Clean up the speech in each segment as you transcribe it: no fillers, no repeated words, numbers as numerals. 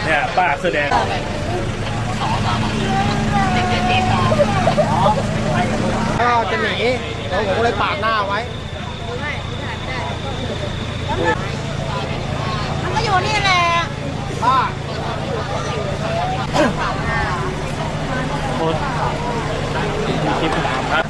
เนี่ยป้าแสดงก็จะหนีแล้วผมก็เลยปาดหน้าไว้มันก็อยู่นี่แหละป้าโคตรคลิปตามครับ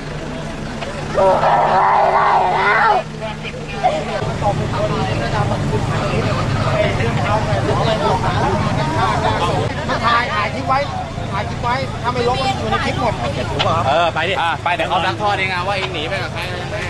มาถ่ายคลิปไว้ถ้าไม่ลบมันอยู่ในคลิปหมดไปดิไปเดี๋ยวเขาดักทอดเองว่าเองหนีไปกับใครอะไรยังไง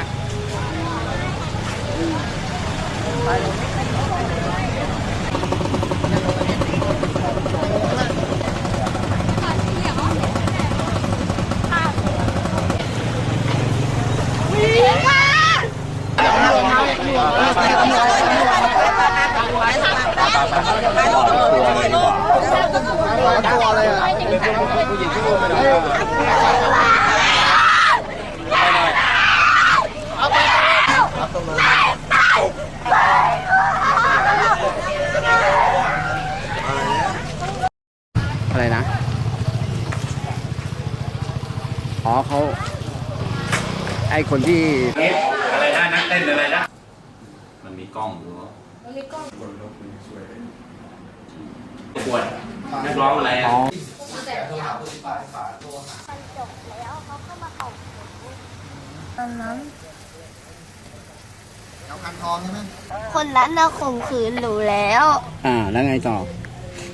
ตัวอะไรอ่ะผู้หญิงที่อุ้มไปไหนอะไรนะอ๋อเขาไอคนที่อะไรนะนักเต้นอะไรนะมันมีกล้องอยู่ปวดนักร้องอะไรอ่ะตอนนั้นเอาคันทองใช่ไหมคนนั้นน่ะข่มขืนหนูแล้วแล้วไงต่อ